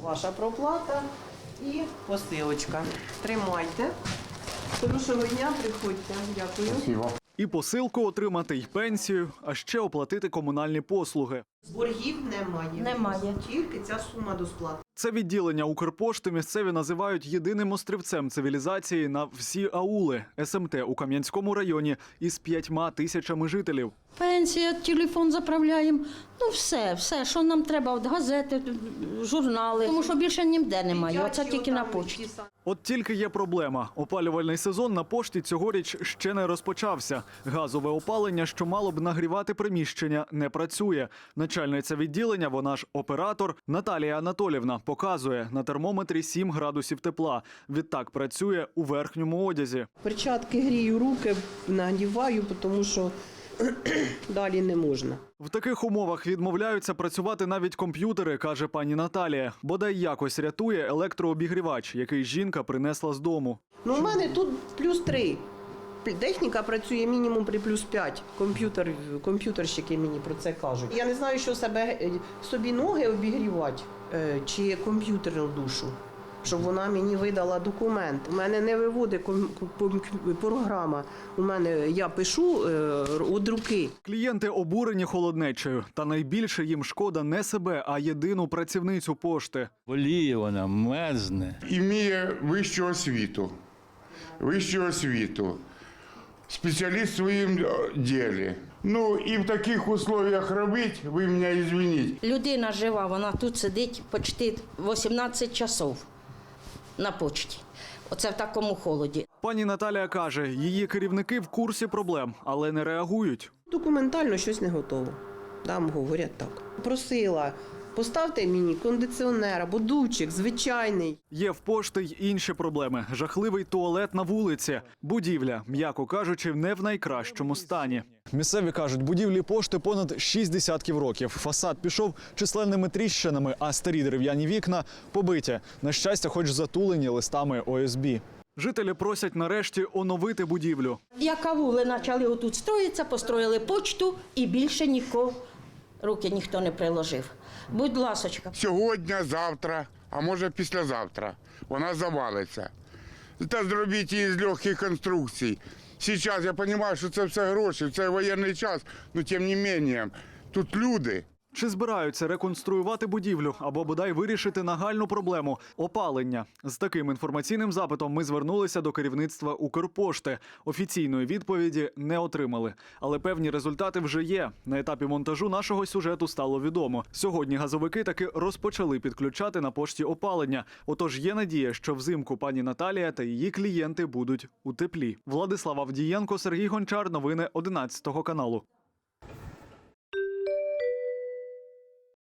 Ваша проплата і посилочка. Тримайте. Хорошого дня, приходьте. Дякую. Спасибо. І посилку отримати, й пенсію, а ще оплатити комунальні послуги. Боргів немає. Немає. Тільки ця сума до сплати. Це відділення Укрпошти місцеві називають єдиним острівцем цивілізації на всі аули СМТ у Кам'янському районі із 5 тисячами жителів. Пенсія, телефон заправляємо. Ну все, що нам треба, от газети, журнали. Тому що більше ніде немає, оце тільки на почті. От тільки є проблема. Опалювальний сезон на пошті цьогоріч ще не розпочався. Газове опалення, що мало б нагрівати приміщення, не працює. Начальниця відділення, вона ж оператор, Наталія Анатолівна, показує на термометрі 7 градусів тепла. Відтак працює у верхньому одязі. Перчатки грію, руки нагріваю, тому що далі не можна. В таких умовах відмовляються працювати навіть комп'ютери, каже пані Наталія. Бодай якось рятує електрообігрівач, який жінка принесла з дому. Ну, у мене тут +3. Техніка працює мінімум при +5. Комп'ютерщики мені про це кажуть. Я не знаю, що собі ноги обігрівати чи комп'ютерну душу, щоб вона мені видала документ. У мене не виводить програма. У мене я пишу від руки. Клієнти обурені холоднечею. Та найбільше їм шкода не себе, а єдину працівницю пошти. Боліє вона, мерзне. Імеє вищу освіту. Спеціаліст в своєму ділі. Ну і в таких условиях робити, ви мене извините. Людина жива, вона тут сидить почти 18 часов на почті. Оце в такому холоді. Пані Наталія каже, її керівники в курсі проблем, але не реагують. Документально щось не готово. Там говорять так. Просила, поставте мені кондиціонер або дувчик звичайний. Є в пошти й інші проблеми. Жахливий туалет на вулиці. Будівля, м'яко кажучи, не в найкращому стані. Місцеві кажуть, будівлі пошти понад 6 десятків років. Фасад пішов численними тріщинами, а старі дерев'яні вікна побиті. На щастя, хоч затулені листами ОСБ. Жителі просять нарешті оновити будівлю. Як авули почали отут строїтися, построїли почту і більше нікого руки ніхто не приложив. Будь ласочка. Сьогодні, завтра, а може післязавтра вона завалиться. Та зробіть її з легких конструкцій. Зараз я розумію, що це все гроші, це воєнний час, але тим не менше, тут люди. Чи збираються реконструювати будівлю або бодай вирішити нагальну проблему – опалення? З таким інформаційним запитом ми звернулися до керівництва Укрпошти. Офіційної відповіді не отримали. Але певні результати вже є. На етапі монтажу нашого сюжету стало відомо. Сьогодні газовики таки розпочали підключати на пошті опалення. Отож є надія, що взимку пані Наталія та її клієнти будуть у теплі. Владислав Авдієнко, Сергій Гончар. Новини 11 каналу.